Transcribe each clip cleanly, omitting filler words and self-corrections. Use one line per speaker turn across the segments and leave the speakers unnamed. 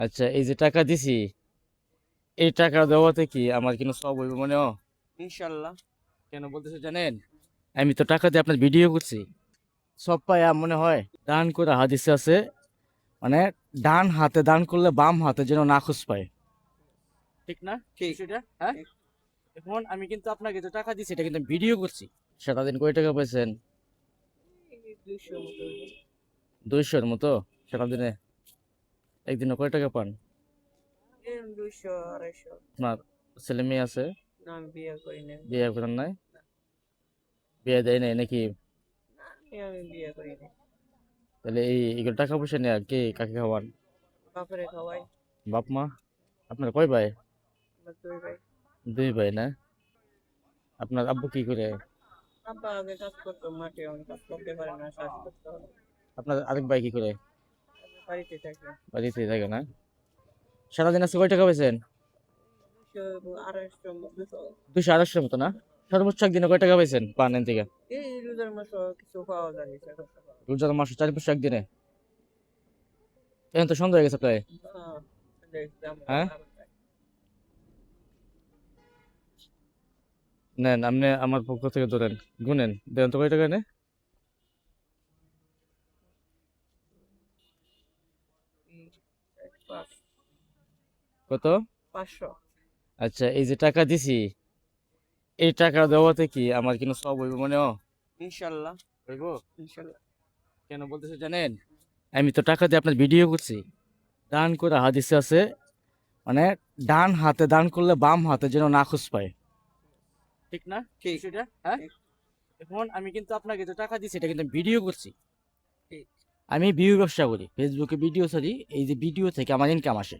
আচ্ছা, এই যে টাকা দিছি, এই টাকা দেওয়াতে কি আমার কিন্তু সব হইব মনে হয়?
ইনশাল্লাহ।
কেন বলতেছে জানেন? আমি তো টাকা দিয়ে আপনার ভিডিও করছি, সব পায়া মনে হয় দান করে হাদিসে আছে, মানে ডান হাতে দান করলে বাম হাতে যেন নাখুশ পায়, ঠিক না
ঠিক
বিষয়টা? হ্যাঁ,
ঠিক।
এখন আমি কিন্তু আপনাকে যে টাকা দিছি এটা কিন্তু ভিডিও করছি। সারা দিন কয় টাকা পাইছেন?
এই 200 মতো হইবো।
200-এর মতো সারা দিনে? একদিনে কয় টাকা পান?
200 250।
আপনার ছেলে মেয়ে আছে?
না, আমি বিয়ে করি না।
বিয়ে করেন নাই? বিয়ে দেয় নাই নাকি?
আমি বিয়ে করি না।
তাহলে এগুলো টাকা পয়সা নিয়ে কে কাকে খাওয়ান?
বাপরে খাওয়াই।
বাপ মা? আপনার কয় ভাই?
আমার 2 ভাই।
2 ভাই না? আপনার আব্বু কি করে?
আব্বা আগে কাজ করতো মাঠে, অনেক কাজ করতে পারে না, শ্বাস করতে হবে।
আপনার আরেক ভাই কি করে?
আমি বাড়িতে থাকি।
বাড়িতে থাকে না? সারাদিন আজকে কয় টাকা পাইছেন?
200 250 200।
200-250-এর মতো না? সর্বোচ্চ একদিনে কয় টাকা পাইছেন পান এন থেকে?
এই রোজার মাসে কিছু পাওয়া যায়, সেটা তো পাওয়া
রোজার মাসে 4-500 একদিনে? এখন তো সন্ধ্যা হয়ে গেছে প্রায়।
যায়। দেখলাম
হ্যাঁ,
আরো যায়।
নেন আপনি আমার পক্ষ থেকে ধরেন, গুনেন দেন তো কয় টাকা নে?
এই 500।
কত?
500।
আচ্ছা, এই যে টাকা দিছি, এই টাকা দেওয়াতে কি আমার কিন্তু সব হইব মনে হয়?
ইনশাল্লাহ।
হইব।
ইনশাল্লাহ।
কেন বলতেছে জানেন? আমি তো টাকা দিয়ে আপনার ভিডিও করছি, দান করে হাদিসে আছে, মানে ডান হাতে দান করলে বাম হাতে যেন নাখুশ পায়, ঠিক না
ঠিক
বিষয়টা? হ্যাঁ,
ঠিক
এখন আমি কিন্তু আপনাকে যে টাকা দিছি এটা কিন্তু ভিডিও করছি।
ঠিক।
আমি ভিউ ব্যবসা করি, ফেসবুকে ভিডিও ছাড়ি, এই যে ভিডিও থেকে আমার ইনকাম আসে।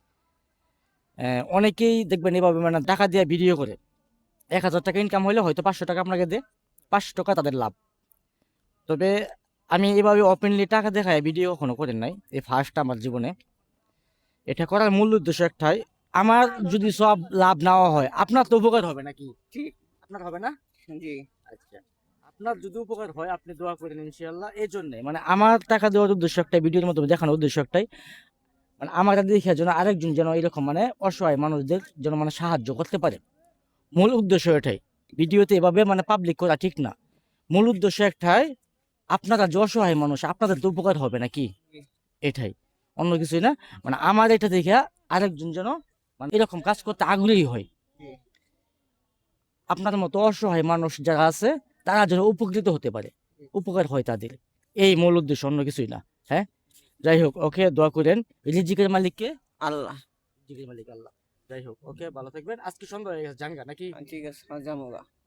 অনেকেই দেখবেন এভাবে মানে টাকা দিয়ে ভিডিও করে, 1000 টাকা ইনকাম হলে হয়তো 500 টাকা আপনাকে দেয়, 500 টাকা তাদের লাভ। তবে আমি এভাবে ওপেনলি টাকা দেখায় ভিডিও কখনো করেন নাই, এই ফার্স্ট আমার জীবনে। এটা করার মূল উদ্দেশ্য একটাই, আমার যদি সব লাভ নেওয়া হয় আপনার তো উপকার হবে নাকি?
ঠিক।
আপনার হবে না?
জি।
আচ্ছা, আপনার যদি উপকার হয় আপনি দোয়া করেন ইনশাআল্লাহ। এই জন্য মানে আমার টাকা দেওয়ার উদ্দেশ্য একটাই, ভিডিওর মধ্যে দেখানোর উদ্দেশ্য একটাই, মানে আমার দেখে যেন আরেকজন যেন এরকম মানে অসহায় মানুষদের যেন মানে সাহায্য করতে পারে। মূল উদ্দেশ্য এটাই। ভিডিওতে এভাবে মানে পাবলিক করা ঠিক না। মূল উদ্দেশ্য একটাই, আপনারা যে অসহায় মানুষ আপনাদের তো উপকার হবে নাকি?
জি।
এটাই, অন্য কিছুই না। মানে আমার এটা দেখে আরেকজন যেন মানে এরকম কাজ করতে আগ্রহী হয়।
জি।
আপনার মতো অসহায় মানুষ যারা আছে তারা যেন উপকৃত হতে পারে, উপকার হয় তাদের, এই মূল উদ্দেশ্য, অন্য কিছুই না। হ্যাঁ, যাই হোক, ওকে দোয়া করেন। রিজিকের মালিককে?
আল্লাহ।
রিজিকের মালিক আল্লাহ। যাই হোক, ওকে ভালো থাকবেন। আজকে সন্ধ্যা হয়ে গেছে, জানগা নাকি?
ঠিক আছে, যাবো।